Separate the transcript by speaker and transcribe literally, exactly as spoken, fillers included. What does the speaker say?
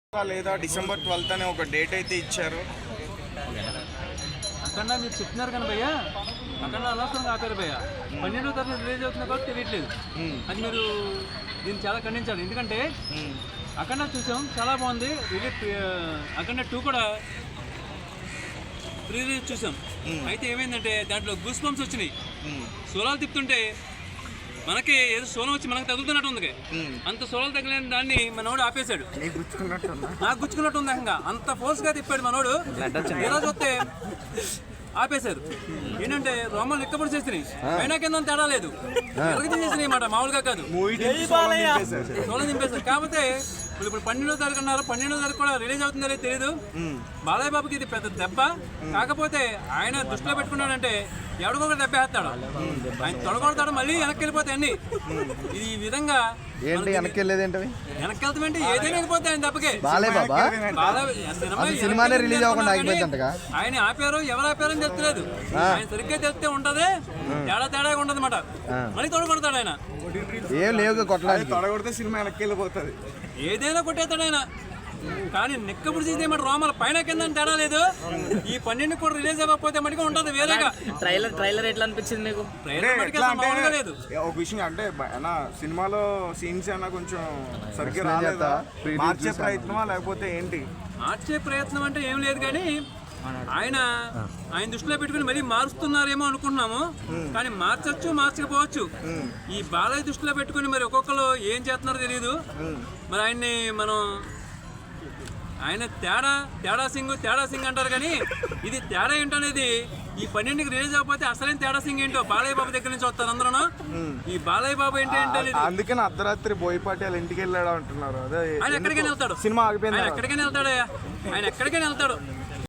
Speaker 1: లేదా December twelfth అనే ఒక డేట్ అయితే ఇచ్చారు.
Speaker 2: అక్కడ మీరు చెప్తున్నారు కానీ భయ్యా, అక్కడ అనవసరంగా ఆపారు భయ్య. పన్నెండో తరగతి రిలీజ్ అవుతుంది కాబట్టి తెలియట్లేదు. అది మీరు దీన్ని చాలా ఖండించాలి. ఎందుకంటే అక్కడ చూసాం, చాలా బాగుంది. రిలీజ్ అక్కడ టూ కూడా ప్రీ రిలీజ్ చూసాం. అయితే ఏమైందంటే దాంట్లో గూస్ బంప్స్ వచ్చినాయి. సోలాలు తిప్పుతుంటే మనకి ఏదో సోలం వచ్చి మనకు తగులుతున్నట్టు ఉంది. అంత సోలాలు తగిలిన దాన్ని మనోడు ఆపేశాడు. నాకు గుచ్చుకున్నట్టు ఉంది. ఇంకా అంత ఫోర్స్ గా తిప్పాడు మనోడు. ఈరోజు వస్తే ఆపేశారు. ఏంటంటే రోమలు ఎక్కబడి చేసినాయి, అయినా కింద తేడా లేదు. ఎరగ చేసినాయి మాట, మామూలుగా కాదు. సోలం దింపేశారు. కాకపోతే ఇప్పుడు పన్నెండో తారీఖు అన్నారు. పన్నెండో తారీఖు కూడా రిలీజ్ అవుతుందో తెలియదు. బాలయ్య బాబుకి ఇది పెద్ద దెబ్బ. కాకపోతే ఆయన దృష్టిలో పెట్టుకున్నాడంటే ఎవడికొక దెబ్బ వేస్తాడు. ఆయన తొడగొడతాడు, మళ్ళీ వెనక్కి వెళ్ళిపోతాయి అన్ని. ఈ విధంగా
Speaker 3: ఏంటి వెనక్కి వెళ్ళేది? ఏంటి
Speaker 2: వెనక్కి వెళ్తామంటే ఏదైనా వెళ్ళిపోతాయి ఆయన దెబ్బకి.
Speaker 3: బాలయ్య బాబా సినిమానే రిలీజ్ అవ్వకుండా ఆగిపోయిందంటగా.
Speaker 2: ఆయన ఆపారు, ఎవరు ఆపారు అని తెలుస్తలేదు. ఆయన సరిగ్గా తెలిస్తే ఉంటది, తేడా తేడా ఉండదు అనమాట. మళ్ళీ తొడగొడతాడు ఆయన.
Speaker 3: ఏం లేవు కొట్టడానికి.
Speaker 1: తొడగొడితే సినిమా వెనక్కి వెళ్ళిపోతుంది.
Speaker 2: ఏదైనా కొట్టేస్తాడు ఆయన. కానీ నెక్కప్పుడు చేసేమాట రోమాల పైన కింద తేడా లేదు. ఈ పన్నెండు కూడా రిలీజ్ అవ్వకపోతే మటుకు ఉంటది వేరేగా.
Speaker 4: ట్రైలర్ ట్రైలర్ ఎట్లా అనిపించింది మీకు?
Speaker 2: ట్రైలర్ లేదు.
Speaker 1: ఒక విషయం అంటే సినిమాలో సీన్స్ అయినా కొంచెం సరిగ్గా రాలేదా? మార్చే ప్రయత్నమా లేకపోతే ఏంటి?
Speaker 2: మార్చే ప్రయత్నం అంటే ఏం లేదు, కానీ ఆయన ఆయన దృష్టిలో పెట్టుకుని మరీ మారుస్తున్నారేమో అనుకుంటున్నాము. కానీ మార్చచ్చు, మార్చకపోవచ్చు. ఈ బాలయ్య దృష్టిలో పెట్టుకుని మరి ఒక్కొక్కరు ఏం చేస్తున్నారో తెలియదు. మరి ఆయన్ని మనం ఆయన తేడా తేడా సింగ్ తేడా సింగ్ అంటారు, కానీ ఇది తేడా ఏంటనేది ఈ పన్నెండుకి రిలీజ్ అవ్వకపోతే అసలైన తేడా సింగ్ ఏంటో బాలయ్య బాబు దగ్గర నుంచి వస్తారు అందరూ. ఈ బాలయ్య బాబు ఏంటి అంటే
Speaker 1: అందుకని అర్ధరాత్రి బోయపాటి వాళ్ళ ఇంటికి వెళ్ళాడు అంటున్నారు. అదే
Speaker 2: ఆయన ఎక్కడికైనా వెళ్తాడు.
Speaker 1: సినిమా ఆగిపోయింది.
Speaker 2: ఆయన ఎక్కడికైనా వెళ్తాడు. ఆయన ఎక్కడికైనా వెళ్తాడు.